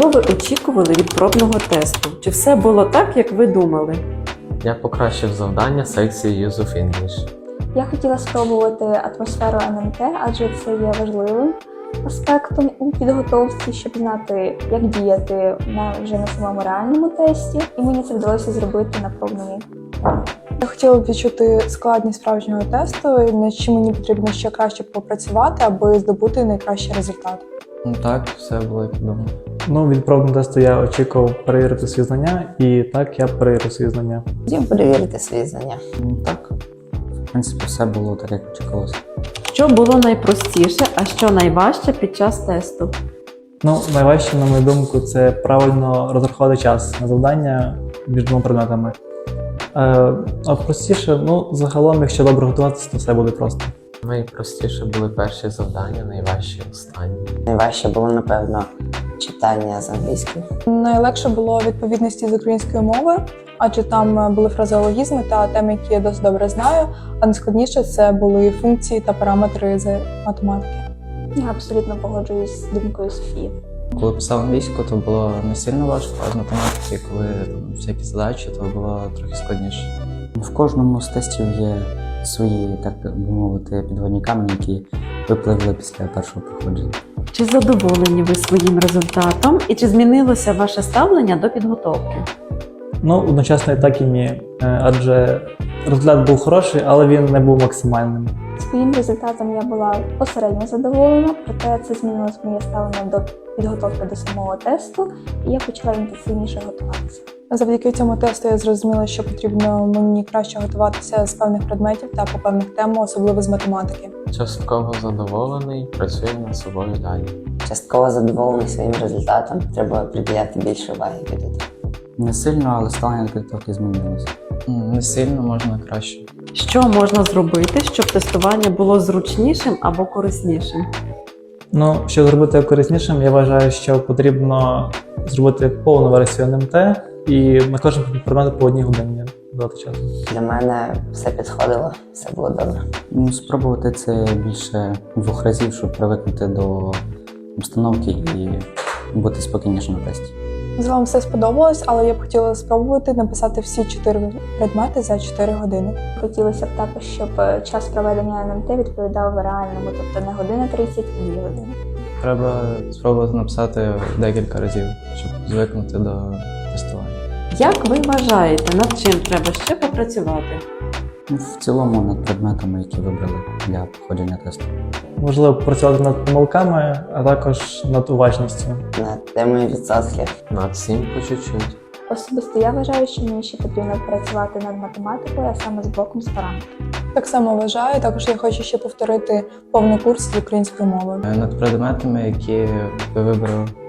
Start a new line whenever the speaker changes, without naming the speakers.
Чого ви очікували від пробного тесту? Чи все було так, як ви думали?
Я покращив завдання секції Use of English.
Я хотіла спробувати атмосферу НМТ, адже це є важливим аспектом у підготовці, щоб знати, як діяти вже на самому реальному тесті, і мені це вдалося зробити на пробному.
Я хотіла б відчути складність справжнього тесту, над чим мені потрібно ще краще попрацювати, аби здобути найкращий результат.
Так, все було як думав.
Від пробного тесту я очікував перевірити свої знання, і так я перевірив свої знання.
Хотів перевірити свої знання.
Так, в принципі, все було так, як очікувалося.
Що було найпростіше, а що найважче під час тесту?
Найважче, на мою думку, це правильно розрахувати час на завдання між двома предметами. А простіше, загалом, якщо добре готуватися, то все буде просто.
Найпростіше були перші завдання, найважчі останні.
Найважче було, напевно, читання з англійської.
Найлегше було відповідності з української мови, адже там були фразеологізми та теми, які я досить добре знаю, а найскладніше це були функції та параметри з математики.
Я абсолютно погоджуюсь з думкою Софії.
Коли писав англійську, то було не сильно важко, а з математики, коли всякі задачі, то було трохи складніше.
В кожному з тестів є свої, так би мовити, підводні камені, які випливли після першого проходження.
Чи задоволені ви своїм результатом і чи змінилося ваше ставлення до підготовки?
Одночасно і так і ні, адже результат був хороший, але він не був максимальним.
Своїм результатом я була посередньо задоволена, проте це змінилось моє ставлення до підготовки до самого тесту, і я почала інтенсивніше готуватися.
Завдяки цьому тесту я зрозуміла, що потрібно мені краще готуватися з певних предметів та по певних темах, особливо з математики.
Частково задоволений, працюю над собою далі.
Частково задоволений своїм результатом. Треба приділяти більше уваги підготовці.
Не сильно, але ставлення до підготовки змінилося.
Не сильно, можна краще.
Що можна зробити, щоб тестування було зручнішим або кориснішим?
Щоб зробити кориснішим, я вважаю, що потрібно зробити повну версію НМТ і на кожен предмет по 1 годині дати часу.
Для мене все підходило, все було добре.
Спробувати це більше 2 разів, щоб привикнути до обстановки і бути спокійніше на тесті.
З вами все сподобалось, але я б хотіла спробувати написати всі 4 предмети за 4 години.
Хотілося б також, щоб час проведення НМТ відповідав реальному, тобто не година 30, а 2 години.
Треба спробувати написати декілька разів, щоб звикнути до тестування.
Як ви вважаєте, над чим треба ще попрацювати?
В цілому над предметами, які вибрали для проходження тесту.
Можливо, працювати над помилками, а також над уважністю.
Над темою відсотків.
Над всім по чуть-чуть.
Особисто я вважаю, що мені ще потрібно працювати над математикою, а саме з блоком з параметрів.
Так само вважаю, також я хочу ще повторити повний курс з української мови.
Над предметами, які ви вибрали.